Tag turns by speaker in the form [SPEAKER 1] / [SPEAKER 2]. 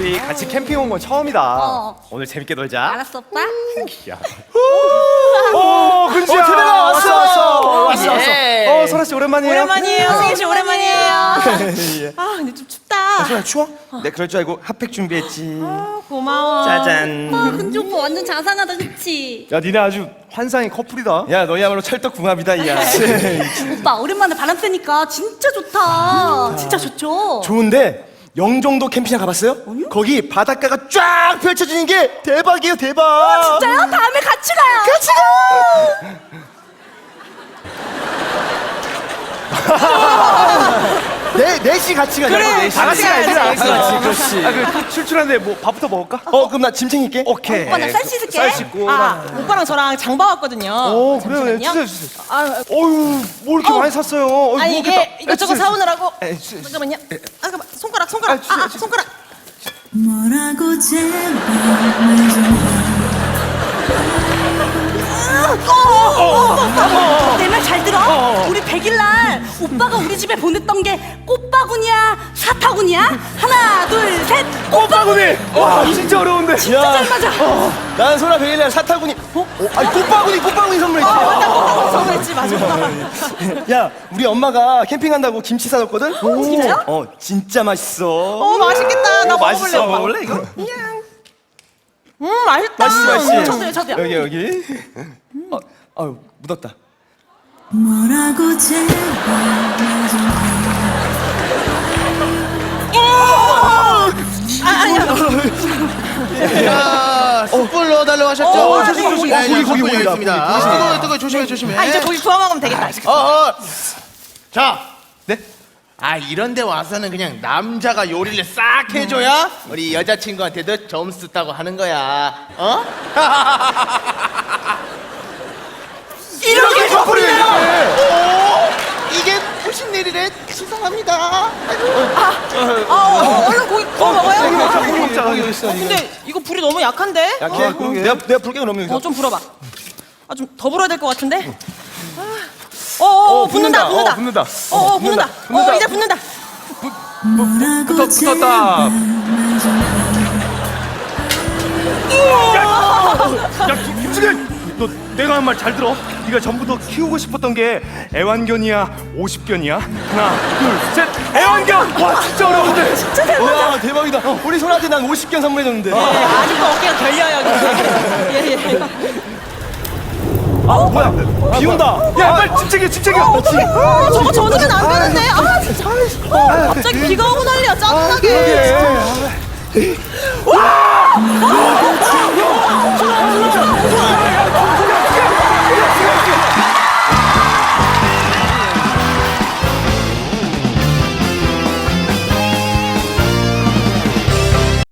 [SPEAKER 1] 우리 같이 캠핑 온 건 처음이다. 오늘 재밌게 놀자.
[SPEAKER 2] 알았어, 오빠.
[SPEAKER 1] 야. 근지야. 왔어. 설아 씨 오랜만이에요.
[SPEAKER 3] 오랜만이에요. 승희 씨 오랜만이에요.
[SPEAKER 2] 아, 근데 좀 춥다.
[SPEAKER 4] 설아 추워? 내 그럴 줄 알고 핫팩 준비했지.
[SPEAKER 3] 고마워.
[SPEAKER 4] 짜잔.
[SPEAKER 2] 아, 근지 오빠 완전 자상하다, 그치?
[SPEAKER 1] 야, 니네 아주 환상의 커플이다.
[SPEAKER 4] 야 너희야말로 찰떡궁합이다 야.
[SPEAKER 2] 오빠, 오랜만에 바람 쐬니까 진짜 좋다. 진짜 좋죠?
[SPEAKER 4] 좋은데 영종도 캠핑장 가봤어요? 거기 바닷가가 쫙 펼쳐지는 게 대박이에요 대박.
[SPEAKER 2] 진짜요? 다음에 같이 가요.
[SPEAKER 4] 같이 가. 넷이 같이 가자.
[SPEAKER 3] 그래,
[SPEAKER 1] 다 같이 가야지.
[SPEAKER 3] 같이 가야지.
[SPEAKER 1] 그렇지. 그 출출한데 뭐 밥부터 먹을까?
[SPEAKER 4] 그럼 나 짐 챙길게.
[SPEAKER 1] 오케이.
[SPEAKER 2] 오빠, 나 쌀 씻을게.
[SPEAKER 1] 쌀 씻고.
[SPEAKER 3] 아, 오빠랑 저랑 장봐 왔거든요.
[SPEAKER 1] 그래.
[SPEAKER 3] 잠시만요.
[SPEAKER 1] 주세요.
[SPEAKER 3] 아,
[SPEAKER 1] 어휴, 뭐 이렇게 많이 샀어요.
[SPEAKER 3] 아니 이게 이것저것 사오느라고.
[SPEAKER 1] 주세요.
[SPEAKER 3] 잠깐만요. 잠깐만. 손가락. 손가락.
[SPEAKER 5] 뭐라고 제발
[SPEAKER 2] 내 말 잘 들어? 우리 100일날 오빠가 우리 집에 보냈던 게 꽃바구니야, 사타구니야? 하나, 둘, 셋.
[SPEAKER 1] 꽃바구니. 와, 진짜 어려운데.
[SPEAKER 2] 잘 맞아.
[SPEAKER 4] 난 소라 베일날 사타구니. 아니 꽃바구니 선물했지.
[SPEAKER 3] 선물했지 맞아.
[SPEAKER 4] 야 우리 엄마가 캠핑 간다고 김치 사줬거든.
[SPEAKER 2] 진짜요?
[SPEAKER 4] 진짜 맛있어.
[SPEAKER 3] 맛있겠다. 나 먹어볼래.
[SPEAKER 1] 맛있어.
[SPEAKER 3] 오빠.
[SPEAKER 1] 먹을래 이거?
[SPEAKER 3] 맛있다.
[SPEAKER 4] 맛있지.
[SPEAKER 2] 저도요.
[SPEAKER 4] 여기. 아유 묻었다.
[SPEAKER 5] 뭐라고 제발
[SPEAKER 6] 야, 숯불 넣어달라고 하셨죠?
[SPEAKER 1] 조심.
[SPEAKER 6] 고기
[SPEAKER 1] 고기다.
[SPEAKER 6] 있습니다. 뜨거 조심해.
[SPEAKER 3] 아 이제 고기 구워 먹으면 되겠다.
[SPEAKER 6] 자, 네? 아 이런데 와서는 그냥 남자가 요리를 싹 해줘야 우리 여자친구한테도 점수 따고 하는 거야. 어? 이렇게 커플이네요. 이게 무슨 일이래? 죄송합니다.
[SPEAKER 3] 얼른 고기 구워 먹어요.
[SPEAKER 1] 고기 먹자.
[SPEAKER 3] 근데 이거 불이 너무 약한데?
[SPEAKER 4] 약해. 내가 불게 그러면 여기서.
[SPEAKER 3] 좀 불어봐. 아 좀 더 불어야 될 것 같은데? 붙는다.
[SPEAKER 1] 붙는다.
[SPEAKER 3] 붙는다. 이제 붙는다.
[SPEAKER 5] 뭐라고
[SPEAKER 1] 붙었다. 야, 김승현, 너 내가 한 말 잘 들어. 네가 전부터 키우고 싶었던 게 애완견이야, 50견이야? 하나, 둘, 셋. 애완견. 와, 진짜 어려운데.
[SPEAKER 4] 와 대박이다. 우리 소라한테 난 50견 선물해줬는데.
[SPEAKER 3] 아직도 어깨가 결려요. 예.
[SPEAKER 1] 뭐야? 비 온다. 야, 빨리 집중해.
[SPEAKER 3] 저거 젖으면 안 되는데. 아 진짜. 갑자기 비가 오고 난리야. 짜증나게.
[SPEAKER 1] 와,